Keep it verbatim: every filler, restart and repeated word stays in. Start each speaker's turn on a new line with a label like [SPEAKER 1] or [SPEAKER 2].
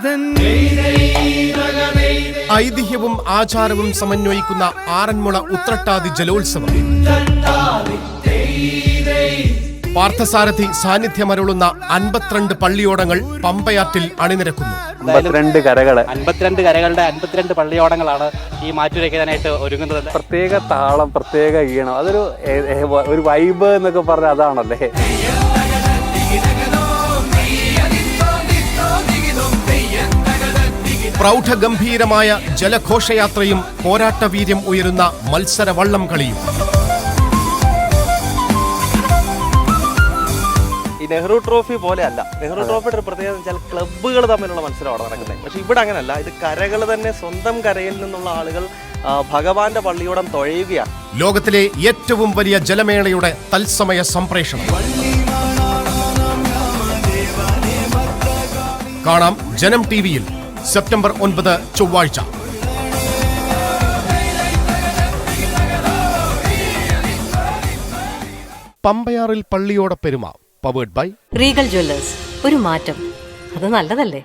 [SPEAKER 1] ഐതിഹ്യവും ആചാരവും സമന്വയിക്കുന്ന ആറന്മുള ഉത്രട്ടാതി ജലോത്സവം. പാർത്ഥസാരഥി സാന്നിധ്യമരുളുന്ന അൻപത്തിരണ്ട് പള്ളിയോടങ്ങൾ പമ്പയാറ്റിൽ അണിനിരക്കുന്നു.
[SPEAKER 2] അൻപത്തിരണ്ട് കരകള്
[SPEAKER 3] അൻപത്തിരണ്ട് കരകളുടെ അൻപത്തിരണ്ട് പള്ളിയോടങ്ങളാണ് ഈ മാറ്റുരയ്ക്കാനായിട്ട് ഒരുങ്ങുന്നത്.
[SPEAKER 2] പ്രത്യേക താളം, പ്രത്യേക ഈണം, അതൊരു ഒരു വൈബ് എന്നൊക്കെ പറഞ്ഞ അതാണല്ലേ.
[SPEAKER 1] പ്രൗഢഗംഭീരമായ ജലഘോഷയാത്രയും പോരാട്ടവീര്യം ഉയരുന്ന മത്സര വള്ളം കളിയും.
[SPEAKER 4] ഈ നെഹ്റു ട്രോഫി പോലെ അല്ല. നെഹ്റു ട്രോഫിയുടെ ഒരു പ്രത്യേകത എന്ന് വെച്ചാൽ ക്ലബ്ബുകൾ തമ്മിലുള്ള മത്സരമാണ് നടക്കുന്നത്. പക്ഷെ ഇവിടെ അങ്ങനല്ല. ഇത് കരകൾ തന്നെ സ്വന്തം കരയിൽ നിന്നുള്ള ആളുകൾ ഭഗവാന്റെ പള്ളിയോടം തുഴയുകയാണ്.
[SPEAKER 1] ലോകത്തിലെ ഏറ്റവും വലിയ ജലമേളയുടെ തത്സമയ സംപ്രേഷണം കാണാം ജനം ടി വിയിൽ സെപ്റ്റംബർ ഒൻപത് ചൊവ്വാഴ്ച. പമ്പയാറിൽ പള്ളിയോട പെരുമ പവേർഡ് ബൈ
[SPEAKER 5] റീഗൽ ജ്വല്ലേഴ്സ്. ഒരു മാറ്റം, അത് നല്ലതല്ലേ?